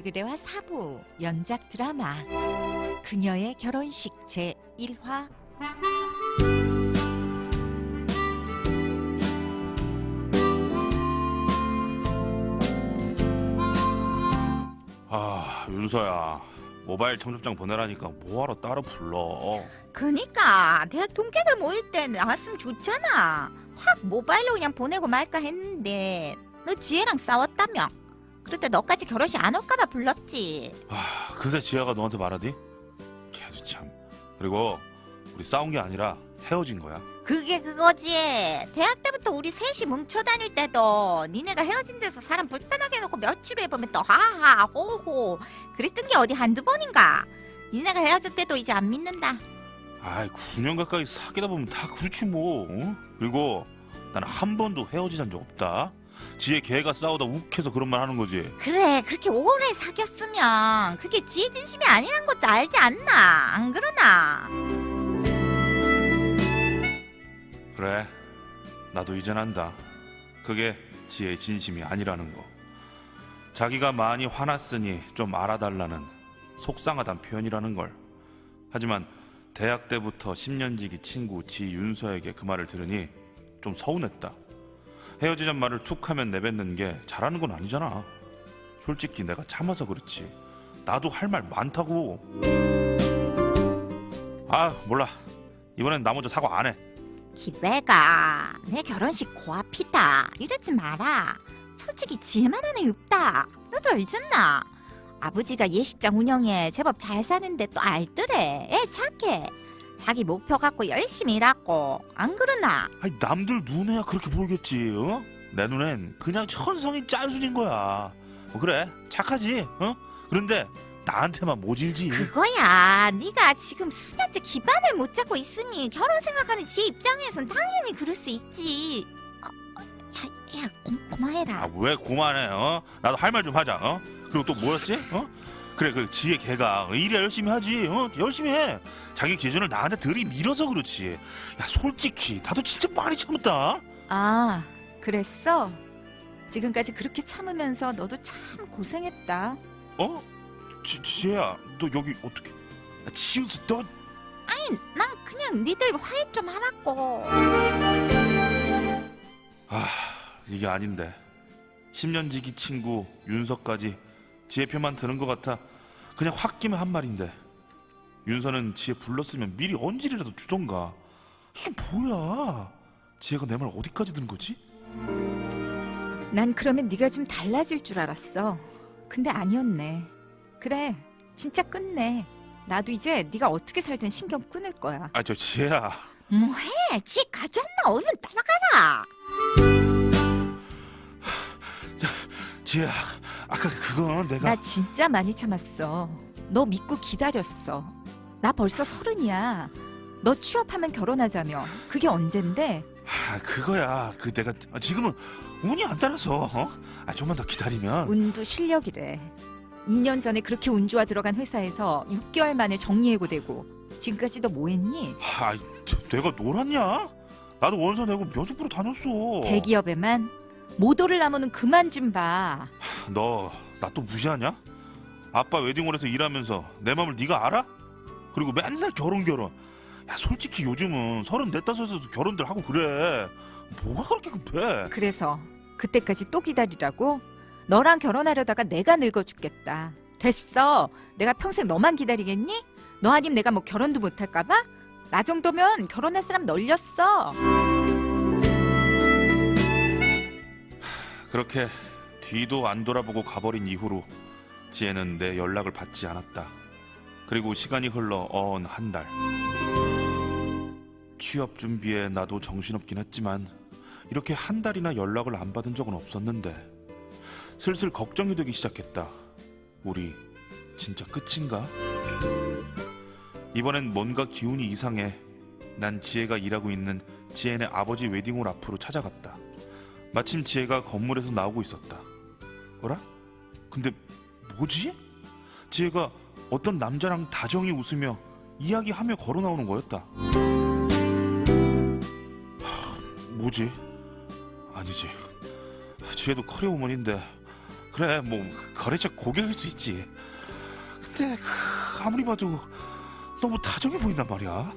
개그대화 4부 연작 드라마 그녀의 결혼식 제1화. 윤서야, 모바일 청첩장 보내라니까 뭐하러 따로 불러. 그니까 대학 동기들 모일 때 나왔으면 좋잖아. 확 모바일로 그냥 보내고 말까 했는데 너 지혜랑 싸웠다며. 그럴 때 너까지 결혼식 안 올까봐 불렀지. 그새 지혜가 너한테 말하디? 걔도 참. 그리고 우리 싸운 게 아니라 헤어진 거야. 그게 그거지. 대학 때부터 우리 셋이 뭉쳐 다닐 때도 니네가 헤어진 데서 사람 불편하게 해놓고 며칠 후에 보면 또 하하 호호 그랬던 게 어디 한두 번인가. 니네가 헤어질 때도 이제 안 믿는다. 9년 가까이 사귀다 보면 다 그렇지 뭐. 어? 그리고 나는 한 번도 헤어지자는 적 없다. 지혜 걔가 싸우다 욱해서 그런 말 하는 거지. 그래, 그렇게 오래 사귀었으면 그게 지혜 진심이 아니란 것도 알지 않나? 안 그러나? 그래, 나도 이젠 안다. 그게 지혜의 진심이 아니라는 거. 자기가 많이 화났으니 좀 알아달라는 속상하단 표현이라는 걸. 하지만 대학 때부터 10년지기 친구 지윤서에게 그 말을 들으니 좀 서운했다. 헤어지잔 말을 툭 하면 내뱉는 게 잘하는 건 아니잖아. 솔직히 내가 참아서 그렇지. 나도 할 말 많다고. 몰라. 이번엔 나 먼저 사과 안 해. 기배가 내 결혼식 고앞이다 이러지 마라. 솔직히 지혜만 하는 없다. 너도 알잖아. 아버지가 예식장 운영에 제법 잘 사는데 또 알더래. 애 착해. 자기 목표 갖고 열심히 일하고. 안 그러나? 남들 눈에야 그렇게 보이겠지. 어? 내 눈엔 그냥 천성이 짠순인 거야. 그래, 착하지. 어? 그런데 나한테만 모질지. 그거야. 네가 지금 수년째 기반을 못 잡고 있으니 결혼 생각하는 지혜 입장에선 당연히 그럴 수 있지. 야, 고마해라. 왜 고만해? 어? 나도 할 말 좀 하자. 어? 그리고 또 뭐였지? 어? 그래, 지혜 걔가 일이야 열심히 하지. 어? 열심히 해. 자기 기준을 나한테 들이밀어서 그렇지. 야, 솔직히 나도 진짜 많이 참았다. 그랬어? 지금까지 그렇게 참으면서 너도 참 고생했다. 어? 지혜야, 너 여기 어떻게? 지우스, 너. 아니, 난 그냥 니들 화해 좀 하라고. 이게 아닌데. 10년지기 친구 윤서까지 지혜 편만 드는 것 같아. 그냥 확 끼면 한 말인데. 윤서는 지혜 불렀으면 미리 언질이라도 주던가. 이게 뭐야? 지혜가 내 말 어디까지 듣는 거지? 난 그러면 네가 좀 달라질 줄 알았어. 근데 아니었네. 그래, 진짜 끝내. 나도 이제 네가 어떻게 살든 신경 끊을 거야. 저 지혜야. 뭐해? 지 가졌나? 얼른 따라가라. 지혜야, 아까 그건 내가. 나 진짜 많이 참았어. 너 믿고 기다렸어. 나 벌써 30이야. 너 취업하면 결혼하자며. 그게 언젠데? 그거야. 내가 지금은 운이 안 따라서. 좀만 더 기다리면. 운도 실력이래. 2년 전에 그렇게 운 좋아 들어간 회사에서 6개월 만에 정리해고되고 지금까지 너 뭐했니? 내가 놀았냐? 나도 원서 내고 면접 보러 다녔어. 대기업에만? 모도를 나무는 그만 좀 봐. 너 나 또 무시하냐? 아빠 웨딩홀에서 일하면서 내 맘을 네가 알아? 그리고 맨날 결혼. 야, 솔직히 요즘은 34, 5에서 결혼들 하고 그래. 뭐가 그렇게 급해? 그래서 그때까지 또 기다리라고? 너랑 결혼하려다가 내가 늙어 죽겠다. 됐어. 내가 평생 너만 기다리겠니? 너 아님 내가 뭐 결혼도 못할까 봐? 나 정도면 결혼할 사람 널렸어. 그렇게 뒤도 안 돌아보고 가버린 이후로 지혜는 내 연락을 받지 않았다. 그리고 시간이 흘러 어언 한 달. 취업 준비에 나도 정신없긴 했지만 이렇게 한 달이나 연락을 안 받은 적은 없었는데 슬슬 걱정이 되기 시작했다. 우리 진짜 끝인가? 이번엔 뭔가 기운이 이상해. 난 지혜가 일하고 있는 지혜네 아버지 웨딩홀 앞으로 찾아갔다. 마침 지혜가 건물에서 나오고 있었다. 뭐라? 근데 뭐지? 지혜가 어떤 남자랑 다정히 웃으며 이야기하며 걸어 나오는 거였다. 뭐지? 아니지. 지혜도 커리어우먼인데 그래 뭐 거래처 고객일 수 있지. 근데 아무리 봐도 너무 다정해 보인단 말이야.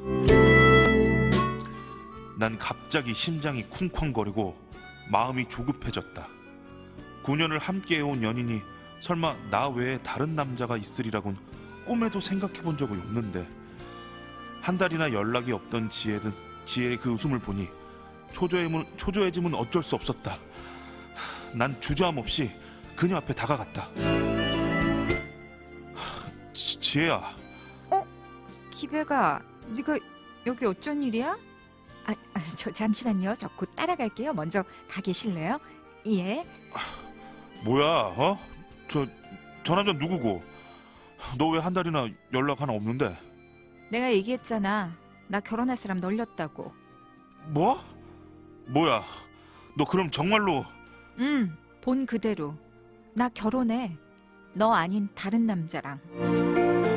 난 갑자기 심장이 쿵쾅거리고 마음이 조급해졌다. 9년을 함께해온 연인이 설마 나 외에 다른 남자가 있으리라곤 꿈에도 생각해본 적이 없는데 한 달이나 연락이 없던 지혜의 그 웃음을 보니 초조해짐은 어쩔 수 없었다. 난 주저함 없이 그녀 앞에 다가갔다. 지혜야. 기배가 네가 여기 어쩐 일이야? 저 잠시만요. 저 곧 따라갈게요. 먼저 가 계실래요? 예. 뭐야? 어? 저 남자 누구고? 너 왜 한 달이나 연락 하나 없는데? 내가 얘기했잖아. 나 결혼할 사람 널렸다고. 뭐? 뭐야? 너 그럼 정말로? 본 그대로. 나 결혼해. 너 아닌 다른 남자랑.